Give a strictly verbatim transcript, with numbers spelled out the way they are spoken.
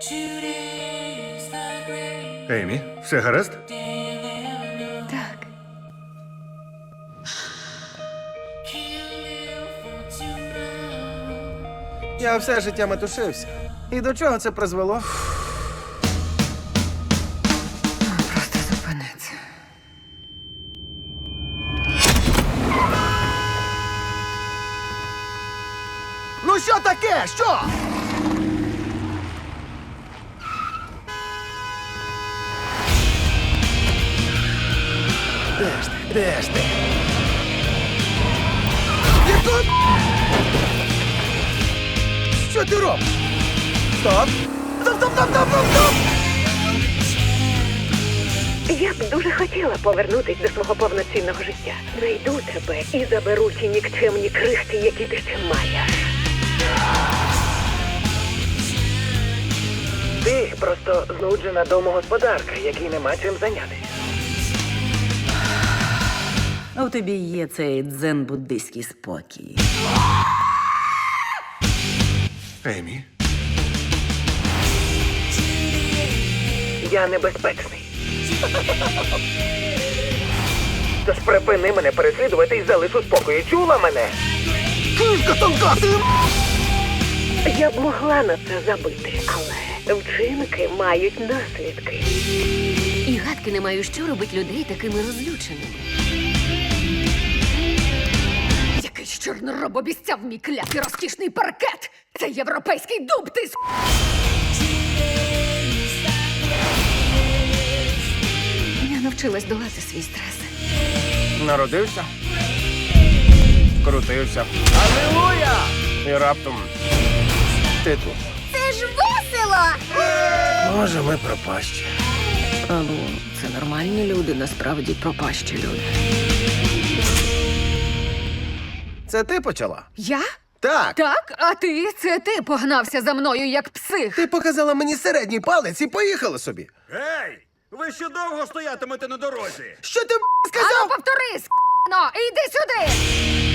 Емі, все гаразд? Так. Я все життя метушився. І до чого це призвело? Просто зупиниться. Ну що таке? Що? Де ж ти? Де ж ти? Яку? Що ти робиш? Стоп! Стоп, стоп, стоп, стоп, стоп, стоп! Я б дуже хотіла повернутись до свого повноцінного життя. Найду тебе і заберу ті нікчемні крихти, які ти ще маєш. Ти просто знуджена домогосподарка, якій нема чим зайнятися. А у тобі є цей дзен-буддийський спокій. Емі? Я небезпечний. Тож припини мене переслідувати і залиш у спокої. Чула мене? Кишка тонка! Ти... Я б могла на це забити, але вчинки мають наслідки. І гадки не маю, що робить людей такими розлюченими. Якийсь чорнороб обіцяв мій клятий розкішний паркет! Це європейський дуб, ти с***! Я навчилась долати свій стрес. Народився. Крутився. Алілуя! І раптом ти тут. Це ж весело! Може, ми пропащі. Або це нормальні люди, насправді пропащі люди. Це ти почала? Я? Так. Так, а ти? Це ти погнався за мною, як псих. Ти показала мені середній палець і поїхала собі. Гей! Ви ще довго стоятимете на дорозі? Що ти б***ь, Ану, сказав? повтори, с***но, іди сюди!